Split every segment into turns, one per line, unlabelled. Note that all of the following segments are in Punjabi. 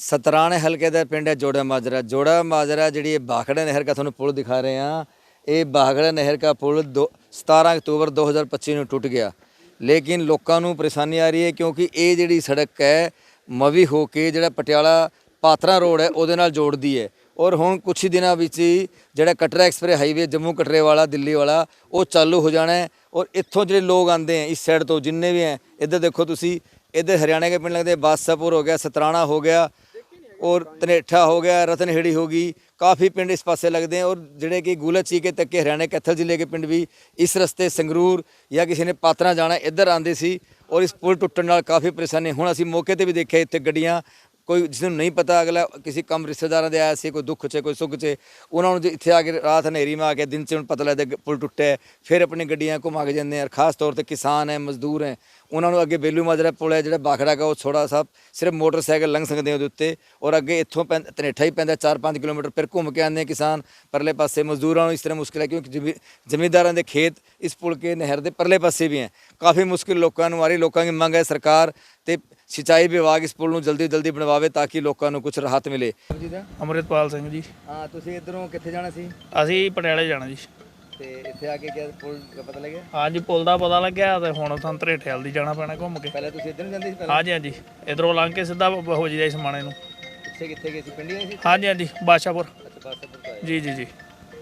सतराणे हल्के का पिंड है जोड़ा माजरा। जोड़ा माजरा जी बाखड़ा नहर का थोड़ा पुल दिखा रहे हैं। ये बाखड़ा नहर का पुल 17 अक्तूबर 2025 में टूट गया, लेकिन लोगों को परेशानी आ रही है क्योंकि ये जी सड़क है मवी होके जो पटियाला पात्रा रोड है वो जोड़ती है। और हुण कुछ ही दिनों में जो कटरा एक्सप्रेस हाईवे जम्मू कटरे वाला दिल्ली वाला वो चालू हो जाना है। और इत्थों जो लोग आते हैं इस साइड तो जिन्ने भी हैं, इधर देखो तुसी, इधर हरियाणा के पिंड लगते हैं, बादशाहपुर हो गया, सतराणा हो गया और धनेठा हो गया, रतनहेड़ी होगी, काफ़ी पिंड इस पासे लगते हैं। और जोड़े कि गुलाची के तक के हरियाणा कैथल जिले के पिंड भी इस रस्ते संगरूर या किसी ने पात्रा जाना इधर आते सी। और इस पुल टुटन नाल काफ़ी परेशानी। हुण असीं मौके पर भी देखे इत्थे गड्डियां, कोई जिसनूं नहीं पता अगला किसी कम रिश्तेदारों के आया से, कोई दुख च कोई सुख च, उन्होंने इत्थे आके रात हनेरी में आके दिन च पता लगता पुल टुटा है, फिर अपनी गड्डियां घुमा के जाते हैं। खास तौर पर किसान है, मजदूर हैं, उन्होंने अगे बेलू माजरा पुल है जो बाखड़ा का, वो थोड़ा सा सिर्फ मोटरसाइकिल लंघ सकते हैं उत्ते। और अगे इत्थों धनेठा ही पैंदा 4-5 किलोमीटर, फिर घूम के आते हैं किसान परले पासे। मजदूरों इस तरह मुश्किल है क्योंकि जमींदारों के खेत इस पुल के नहर के परले पासे भी हैं। काफ़ी मुश्किल लोगों को आ रही। लोगों की मंग है सरकार तो सिंचाई विभाग इस पुल जल्दी जल्दी बनवावे ताकि लोगों को कुछ राहत मिले।
अमृतपाल सिंह जी।
हाँ, तुसीं इधरों कित्थे जाना सी?
ਅਸੀਂ ਪਟਿਆਲੇ ਜਾਣਾ ਜੀ।
ਤੇ ਇੱਥੇ ਆ ਕੇ ਕਿਆ ਪੁਲ ਦਾ ਪਤਾ ਲੱਗਿਆ?
ਹਾਂਜੀ ਪੁਲ ਦਾ ਪਤਾ ਲੱਗਿਆ ਤੇ ਹੁਣ ਸਾਨੂੰ ਧਰੇਠੇ ਵੱਲ ਦੀ ਜਾਣਾ ਪੈਣਾ ਘੁੰਮ ਕੇ।
ਪਹਿਲਾਂ ਤੁਸੀਂ ਇੱਧਰ ਨੂੰ ਜਾਂਦੇ ਸੀ ਪਹਿਲਾਂ?
ਹਾਂਜੀ ਹਾਂਜੀ, ਇਧਰੋਂ ਲੰਘ ਕੇ ਸਿੱਧਾ ਹੋ ਜਾਈਦਾ ਸਮਾਣੇ ਨੂੰ।
ਪਿੱਛੇ ਕਿੱਥੇ ਗਏ ਸੀ? ਪਿੰਡੀ ਆਏ ਸੀ?
ਹਾਂਜੀ ਹਾਂਜੀ, ਬਾਦਸ਼ਾਹਪੁਰ।
ਅੱਛਾ, ਬਾਦਸ਼ਾਹਪੁਰ ਤੋਂ ਆਏ।
ਜੀ ਜੀ ਜੀ।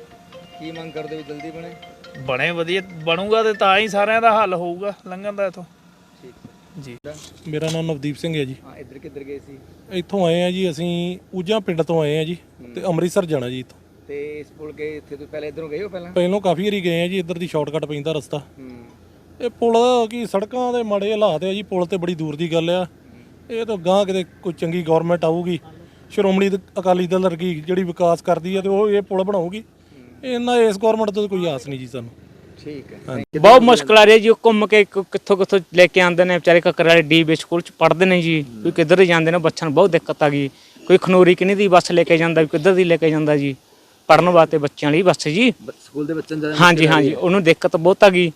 ਕੀ ਮੰਗ ਕਰਦੇ ਹੋ ਜਲਦੀ ਬਣੇ?
ਬਣੇ ਵਧੀਆ ਬਣੂਗਾ ਤੇ ਤਾਂ ਹੀ ਸਾਰਿਆਂ ਦਾ ਹੱਲ ਹੋਊਗਾ ਲੰਘਣ ਦਾ ਇੱਥੋਂ।
ਠੀਕ
ਜੀ।
ਮੇਰਾ ਨਾਮ ਨਵਦੀਪ ਸਿੰਘ ਹੈ ਜੀ।
ਹਾਂ, ਇੱਧਰ ਕਿੱਧਰ ਗਏ ਸੀ?
ਇੱਥੋਂ ਆਏ ਆ ਜੀ, ਅਸੀਂ ਊਜਾ ਪਿੰਡ ਤੋਂ ਆਏ ਆ ਜੀ ਤੇ ਅੰਮ੍ਰਿਤਸਰ ਜਾਣਾ ਜੀ ਇੱਥੋਂ।
ਤੇ ਇਸ ਪੁਲ ਕੇ ਇੱਥੇ ਤੋਂ ਪਹਿਲਾਂ ਇੱਧਰੋਂ ਗਏ ਹੋ?
ਪਹਿਲਾਂ ਕਾਫੀ ਵਾਰੀ ਗਏ ਆ ਜੀ, ਇੱਧਰ ਦੀ ਸ਼ਾਰਟਕਟ ਪੈਂਦਾ ਰਸਤਾ।
ਹੂੰ।
ਇਹ ਪੁਲ ਕੀ ਸੜਕਾਂ ਦੇ ਮਾੜੇ ਹਾਲਾਤ ਆ ਜੀ, ਪੁਲ ਤੇ ਬੜੀ ਦੂਰ ਦੀ ਗੱਲ ਆ। ਇਹ ਤਾਂ ਗਾਂ ਕਿਤੇ ਕੋਈ ਚੰਗੀ ਗਵਰਨਮੈਂਟ ਆਊਗੀ, ਸ਼੍ਰੋਮਣੀ ਅਕਾਲੀ ਦਲ ਵਰਗੀ ਜਿਹੜੀ ਵਿਕਾਸ ਕਰਦੀ ਆ ਤੇ ਉਹ ਇਹ ਪੁਲ ਬਣਾਊਗੀ। ਇਹਨਾਂ ਇਸ ਗਵਰਨਮੈਂਟ ਤੋਂ ਕੋਈ ਆਸ ਨਹੀਂ ਜੀ ਸਾਨੂੰ।
ਠੀਕ ਹੈ।
बहुत मुश्किल आ रही है जी। घूम के कितों कितों लेके आते हैं बेचारे कक्कर वाले DB स्कूल च पढ़ते हैं जी। कोई किधर जाते हैं, बच्चों बहुत दिक्कत आ गई। कोई खनूरी किन्नी दी बस लेके जाता, किधर दी लेके जाता जी पढ़न वास्ते बच्चों वाली बस जी।
स्कूल के बच्चों
हाँ जी हाँ जी, उन्होंने दिक्कत बहुत आ गई।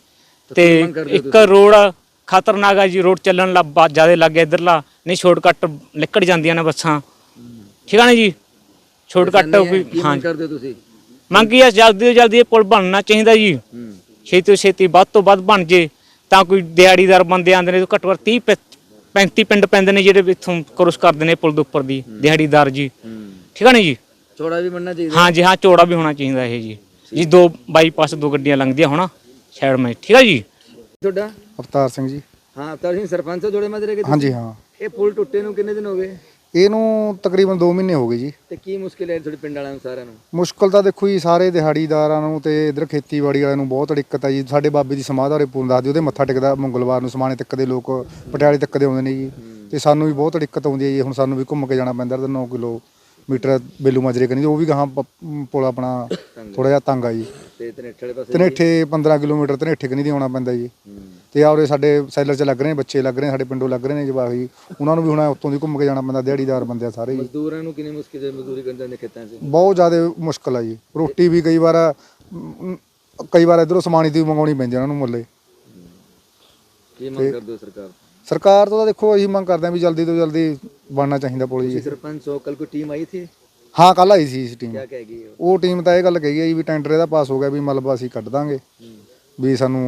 तो एक रोड खतरनाक है जी, रोड चलन ज़्यादा लग गया इधरला, नहीं शॉर्टकट निकल जांदियां ने बसां। ठीक है ना जी, शॉर्टकट। हाँ मंगी है जल्दी तो जल्दी पुल बनना चाहिए जी, छेती तो छेती ਵੱਧ ਤੋਂ ਵੱਧ बन जे ਤਾਂ ਕੋਈ ਦਿਹਾੜੀਦਾਰ ਬੰਦੇ ਆਉਂਦੇ ਨੇ। ਘੱਟੋ ਘੱਟ 30-35 ਪਿੰਡ ਪੈਂਦੇ ਨੇ ਜਿਹੜੇ ਇੱਥੋਂ ਕ੍ਰੋਸ ਕਰਦੇ ਨੇ ਪੁਲ ਦੇ ਉੱਪਰ ਦੀ ਦਿਹਾੜੀਦਾਰ ਜੀ। ਠੀਕ ਹੈ ਨਾ ਜੀ,
ਚੌੜਾ ਵੀ ਬਣਨਾ ਚਾਹੀਦਾ।
ਹਾਂ ਜੀ ਹਾਂ, ਚੌੜਾ ਵੀ ਹੋਣਾ ਚਾਹੀਦਾ ਇਹ ਜੀ। ਜੀ ਦੋ ਬਾਈਪਾਸ ਦੋ ਗੱਡੀਆਂ ਲੰਘਦੀਆਂ ਹੋਣਾ ਸਾਈਡ में। ਠੀਕ ਹੈ ਜੀ।
ਤੁਹਾਡਾ?
ਅਵਤਾਰ ਸਿੰਘ ਜੀ।
ਹਾਂ, ਅਵਤਾਰ ਸਿੰਘ ਸਰਪੰਚ ਹੋ ਜੋੜੇ ਮਾਜਰੇ ਕੇ?
ਹਾਂਜੀ ਹਾਂ।
ਇਹ ਪੁਲ ਟੁੱਟੇ ਨੂੰ ਕਿੰਨੇ ਦਿਨ ਹੋ ਗਏ?
ਇਹਨੂੰ ਤਕਰੀਬਨ 2 ਮਹੀਨੇ ਹੋ ਗਏ ਜੀ।
ਤੇ ਕੀ ਮੁਸ਼ਕਿਲ ਹੈ ਤੁਹਾਡੇ ਪਿੰਡ ਵਾਲਿਆਂ ਨੂੰ ਸਾਰਿਆਂ ਨੂੰ?
ਮੁਸ਼ਕਲ ਤਾਂ ਦੇਖੋ ਜੀ, ਸਾਰੇ ਦਿਹਾੜੀਦਾਰਾਂ ਨੂੰ ਤੇ ਇਧਰ ਖੇਤੀਬਾੜੀ ਵਾਲਿਆਂ ਨੂੰ ਬਹੁਤ ਦਿੱਕਤ ਆ ਜੀ। ਸਾਡੇ ਬਾਬੇ ਦੀ ਸਮਾਧ ਵਾਲੇ ਪੁਲ ਦੱਸਦੇ, ਉਹਦੇ ਮੱਥਾ ਟੇਕਦਾ ਮੰਗਲਵਾਰ ਨੂੰ ਸਮਾਣੇ ਤੱਕ ਦੇ ਲੋਕ, ਪਟਿਆਲੇ ਤੱਕ ਦੇ ਆਉਂਦੇ ਨੇ ਜੀ। ਤੇ ਸਾਨੂੰ ਵੀ ਬਹੁਤ ਦਿੱਕਤ ਆਉਂਦੀ ਹੈ ਜੀ। ਹੁਣ ਸਾਨੂੰ ਵੀ ਘੁੰਮ ਕੇ ਜਾਣਾ ਪੈਂਦਾ 9 ਕਿਲੋਮੀਟਰ ਬੇਲੂ ਮਾਜਰੇ ਕਨੀ, ਉਹ ਵੀ ਗਾਹਾਂ ਪੁਲ ਆਪਣਾ ਥੋੜਾ ਜਿਹਾ ਤੰਗ ਆ ਜੀ।
ਤੇ ਧਨੇਠੇ ਵਾਲੇ ਪਾਸੇ?
ਧਨੇਠੇ 15 ਕਿਲੋਮੀਟਰ ਧਨੇਠੇ ਕਨੀ ਦੀ ਆਉਣਾ ਪੈਂਦਾ ਜੀ। ਤੇ ਆਉਰੇ ਸਾਡੇ ਸੈਲਰ 'ਚ ਲੱਗ ਰਹੇ ਨੇ ਬੱਚੇ, ਲੱਗ ਰਹੇ ਨੇ ਸਾਡੇ ਪਿੰਡੋਂ ਲੱਗ ਰਹੇ ਨੇ ਜਵਾਕ ਜੀ, ਉਹਨਾਂ ਨੂੰ ਵੀ ਹੁਣ ਉੱਤੋਂ ਦੀ ਘੁੰਮ ਕੇ ਜਾਣਾ ਪੈਂਦਾ। ਦਿਹਾੜੀਦਾਰ ਬੰਦੇ ਆ ਸਾਰੇ ਜੀ।
ਮਜ਼ਦੂਰਾਂ ਨੂੰ ਕਿੰਨੀ ਮੁਸ਼ਕਿਲ ਹੈ ਮਜ਼ਦੂਰੀ ਕਰਨ ਜਾਂਦੇ ਖੇਤਾਂ 'ਚ?
ਬਹੁਤ ਜ਼ਿਆਦਾ ਮੁਸ਼ਕਲ ਆ ਜੀ। ਰੋਟੀ ਵੀ ਕਈ ਵਾਰ ਇੱਧਰੋਂ ਸਮਾਣੀ ਦੀ ਮੰਗਾਉਣੀ ਪੈਂਦੀ ਉਹਨਾਂ ਨੂੰ ਮੁੱਲੇ।
ਕੀ ਮੰਗ ਕਰਦੇ ਹੋ
ਸਰਕਾਰ ਤੋਂ? ਤਾਂ ਦੇਖੋ ਅਸੀਂ ਮੰਗ ਕਰਦੇ ਹਾਂ ਵੀ ਜਲਦੀ ਤੋਂ ਜਲਦੀ ਬਣਨਾ ਚਾਹੀਦਾ ਪੁਲ ਜੀ।
ਸਰਪੰਚ ਹੋ, ਕੱਲ ਕੋਈ ਟੀਮ ਆਈ ਥੀ?
ਹਾਂ, ਕੱਲ ਆਈ ਸੀ ਟੀਮ।
ਕੀ ਕਹੇਗੀ
ਉਹ ਟੀਮ ਤਾਂ ਇਹ ਗੱਲ ਕਹੀ ਹੈ ਜੀ ਵੀ ਟੈਂਡਰ ਇਹਦਾ ਪਾਸ ਹੋ ਗਿਆ, ਵੀ ਮਤਲਬ ਅਸੀਂ ਕੱਢ ਦਾਂਗੇ, ਵੀ ਸਾਨੂੰ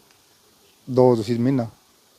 ਦੋ ਤੁਸੀਂ ਮਹੀਨਾ।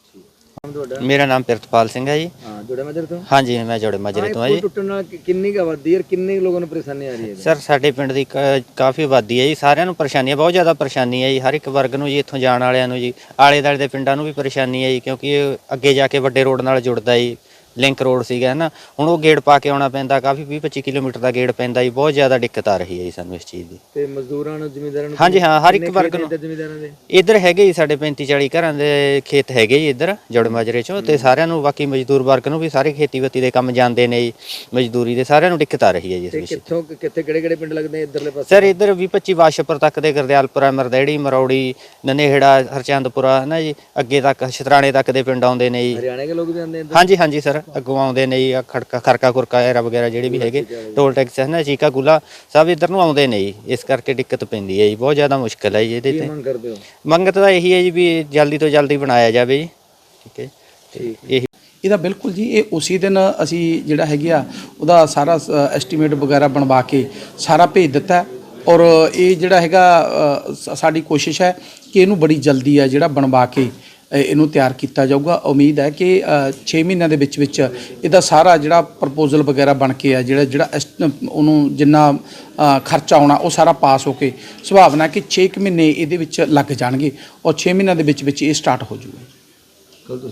ਮੇਰਾ ਨਾਮ ਪ੍ਰਿਤਪਾਲ ਸਿੰਘ ਹੈ ਜੀ।
ਹਾਂ, ਜੋੜੇ ਮਾਜਰੇ ਤੋਂ? ਹਾਂਜੀ,
ਮੈਂ ਜੋੜੇ ਮਾਜਰੇ ਤੋਂ ਹਾਂ ਜੀ।
ਟੁੱਟਣ ਨਾਲ ਕਿੰਨੀ ਕੁ ਆਬਾਦੀ ਹੈ, ਕਿੰਨੇ ਲੋਕਾਂ ਨੂੰ ਪਰੇਸ਼ਾਨੀ ਆ ਰਹੀ ਹੈ?
ਸਰ ਸਾਡੇ ਪਿੰਡ ਦੀ ਕਾਫੀ ਆਬਾਦੀ ਹੈ ਜੀ, ਸਾਰਿਆਂ ਨੂੰ ਪਰੇਸ਼ਾਨੀ ਹੈ, ਬਹੁਤ ਜ਼ਿਆਦਾ ਪਰੇਸ਼ਾਨੀ ਹੈ ਜੀ। ਹਰ ਇੱਕ ਵਰਗ ਨੂੰ ਜੀ, ਇੱਥੋਂ ਜਾਣ ਵਾਲਿਆਂ ਨੂੰ ਜੀ, ਆਲੇ ਦੁਆਲੇ ਦੇ ਪਿੰਡਾਂ ਨੂੰ ਵੀ ਪਰੇਸ਼ਾਨੀ ਹੈ ਜੀ, ਕਿਉਂਕਿ ਇਹ ਅੱਗੇ ਜਾ ਕੇ ਵੱਡੇ ਰੋਡ ਨਾਲ ਜੁੜਦਾ ਜੀ। ਲਿੰਕ ਰੋਡ ਸੀਗਾ ਨਾ, ਹੁਣ ਉਹ ਗੇੜ ਪਾ ਕੇ ਆਉਣਾ ਪੈਂਦਾ, ਕਾਫੀ 20-25 ਕਿਲੋਮੀਟਰ ਦਾ ਗੇੜ ਪੈਂਦਾ ਜੀ। ਬਹੁਤ ਜ਼ਿਆਦਾ ਦਿੱਕਤ ਆ ਰਹੀ ਹੈ ਜੀ ਸਾਨੂੰ ਇਸ ਚੀਜ਼ ਦੀ।
ਤੇ ਮਜ਼ਦੂਰਾਂ ਨੂੰ, ਜ਼ਿਮੀਂਦਾਰਾਂ ਨੂੰ?
ਹਾਂਜੀ ਹਾਂ, ਹਰ ਇੱਕ ਵਰਗ ਨੂੰ।
ਜ਼ਿਮੀਂਦਾਰਾਂ ਦੇ
ਇੱਧਰ ਹੈਗੇ ਜੀ ਸਾਡੇ 35-40 ਘਰਾਂ ਦੇ ਖੇਤ ਹੈਗੇ ਜੀ ਇੱਧਰ ਜੋੜੇ ਮਾਜਰੇ 'ਚੋਂ। ਤੇ ਸਾਰਿਆਂ ਨੂੰ, ਬਾਕੀ ਮਜ਼ਦੂਰ ਵਰਗ ਨੂੰ ਵੀ, ਸਾਰੇ ਖੇਤੀਬਾੜੀ ਦੇ ਕੰਮ ਜਾਂਦੇ ਨੇ ਜੀ, ਮਜ਼ਦੂਰੀ ਦੇ ਸਾਰਿਆਂ ਨੂੰ ਦਿੱਕਤ ਆ ਰਹੀ ਹੈ ਜੀ ਇਸ ਵਿੱਚ।
ਕਿੱਥੋਂ ਕਿੱਥੇ ਕਿਹੜੇ ਪਿੰਡ ਲੱਗਦੇ ਇੱਧਰਲੇ ਪਾਸੇ?
ਸਰ ਇੱਧਰ 20-25 ਬਾਦਸ਼ਾਹਪੁਰ ਤੱਕ ਦੇ, ਗੁਰਦਿਆਲਪੁਰਾ, ਮਰਦੇੜੀ, ਮਰੌੜੀ, ਨਨੇਹੜਾ, ਹਰਚੰਦਪੁਰਾ ਨਾ ਜੀ, ਅੱਗੇ ਤੱਕ ਸ਼ਤਰਾਣੇ ਤੱਕ ਦੇ ਪਿੰਡ ਆਉਂਦੇ ਨੇ ਜੀ।
ਹਰਿਆਣਾ ਦੇ ਲੋਕ ਵੀ ਆਉਂਦੇ ਇੱਧਰ?
ਹਾਂਜੀ ਹਾਂਜੀ ਸਰ, ਅੱਗੋਂ ਆਉਂਦੇ ਨੇ ਜੀ। ਖਰਕਾ ਖੁਰਕਾ ਐਰਾ ਵਗੈਰਾ ਜਿਹੜੇ ਵੀ ਹੈਗੇ, ਟੋਲ ਟੈਕਸ ਹੈ ਨਾ, ਚੀਕਾ ਗੁਲਾ, ਸਭ ਇੱਧਰ ਨੂੰ ਆਉਂਦੇ ਨੇ ਜੀ। ਇਸ ਕਰਕੇ ਦਿੱਕਤ ਪੈਂਦੀ ਹੈ ਜੀ, ਬਹੁਤ ਜ਼ਿਆਦਾ ਮੁਸ਼ਕਿਲ ਹੈ ਜੀ ਇਹਦੇ ਤੇ।
ਮੰਗ ਕਰਦੇ ਹੋ?
ਮੰਗ ਤਾਂ ਇਹੀ ਹੈ ਜੀ ਵੀ ਜਲਦੀ ਤੋਂ ਜਲਦੀ ਬਣਾਇਆ ਜਾਵੇ ਜੀ। ਠੀਕ ਹੈ, ਇਹੀ।
ਇਹਦਾ ਬਿਲਕੁਲ ਜੀ ਇਹ ਉਸੇ ਦਿਨ ਅਸੀਂ ਜਿਹੜਾ ਹੈਗੇ ਆ ਉਹਦਾ ਸਾਰਾ ਐਸਟੀਮੇਟ ਵਗੈਰਾ ਬਣਵਾ ਕੇ ਸਾਰਾ ਭੇਜ ਦਿੱਤਾ ਔਰ ਇਹ ਜਿਹੜਾ ਹੈਗਾ ਸਾਡੀ ਕੋਸ਼ਿਸ਼ ਹੈ ਕਿ ਇਹਨੂੰ ਬੜੀ ਜਲਦੀ ਆ ਜਿਹੜਾ ਬਣਵਾ ਕੇ ਇਹਨੂੰ ਤਿਆਰ ਕੀਤਾ ਜਾਊਗਾ। ਉਮੀਦ ਹੈ ਕਿ 6 ਮਹੀਨਿਆਂ ਦੇ ਵਿੱਚ ਇਹਦਾ ਸਾਰਾ ਜਿਹੜਾ ਪ੍ਰਪੋਜ਼ਲ ਵਗੈਰਾ ਬਣ ਕੇ ਆ ਜਿਹੜਾ ਉਹਨੂੰ ਜਿੰਨਾ ਖਰਚਾ ਆਉਣਾ ਉਹ ਸਾਰਾ ਪਾਸ ਹੋ ਕੇ ਸੁਭਾਵਨਾ ਕਿ 6 ਮਹੀਨੇ ਇਹਦੇ ਵਿੱਚ ਲੱਗ ਜਾਣਗੇ ਔਰ 6 ਮਹੀਨਿਆਂ ਦੇ ਵਿੱਚ ਇਹ ਸਟਾਰਟ ਹੋ ਜਾਊਗਾ।